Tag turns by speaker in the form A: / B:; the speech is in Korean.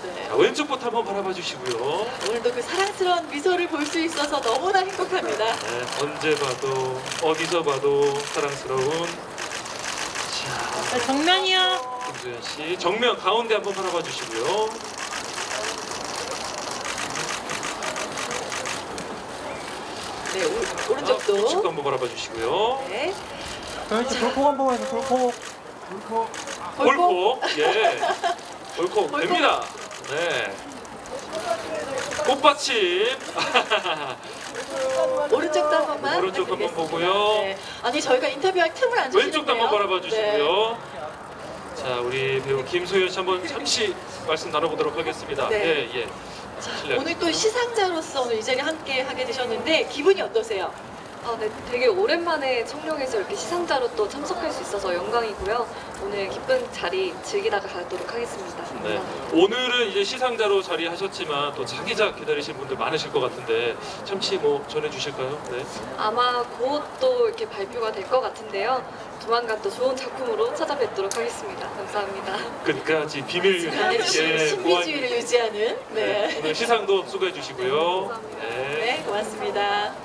A: 네.
B: 자, 왼쪽부터 한번 바라봐 주시고요.
A: 오늘도 그 사랑스러운 미소를 볼 수 있어서 너무나 행복합니다.
B: 네, 언제 봐도 어디서 봐도 사랑스러운 자,
C: 정면이요.
B: 김소연 씨 정면 가운데 한번 바라봐 주시고요.
A: 네, 오른쪽도.
B: 우측도 한번 바라봐 주시고요.
A: 네.
D: 저희 돌폭 한 번만 해서 돌폭.
B: 골코 예, 골코
A: 골코.
B: 됩니다. 네, 꽃받침.
A: 오른쪽도 한 번만.
B: 오른쪽 한번
A: 부탁드리겠습니다.
B: 보고요.
A: 네. 아니 저희가 인터뷰할 틈을 안 주시는데요.
B: 왼쪽도 한번 바라봐
A: 네.
B: 주시고요. 자, 우리 배우 김소연 씨 한번 잠시 말씀 나눠보도록 하겠습니다.
A: 네.
B: 예, 예. 실례.
A: 오늘 또 시상자로서 오늘 이 자리에 함께 하게 되셨는데 기분이 어떠세요?
E: 네, 되게 오랜만에 청룡에서 이렇게 시상자로 또 참석할 수 있어서 영광이고요. 오늘 기쁜 자리 즐기다가 가도록 하겠습니다.
B: 네.
E: 감사합니다.
B: 오늘은 이제 시상자로 자리하셨지만 또 차기작 기다리신 분들 많으실 것 같은데 잠시 뭐 전해주실까요? 네.
E: 아마 곧 또 이렇게 발표가 될 것 같은데요. 조만간 또 좋은 작품으로 찾아뵙도록 하겠습니다. 감사합니다.
B: 끝까지 비밀
A: 나는 신비주의를 유지하는.
B: 네.
A: 네.
B: 오늘 시상도 수고해 주시고요.
E: 감사합니다.
B: 네.
A: 네, 고맙습니다.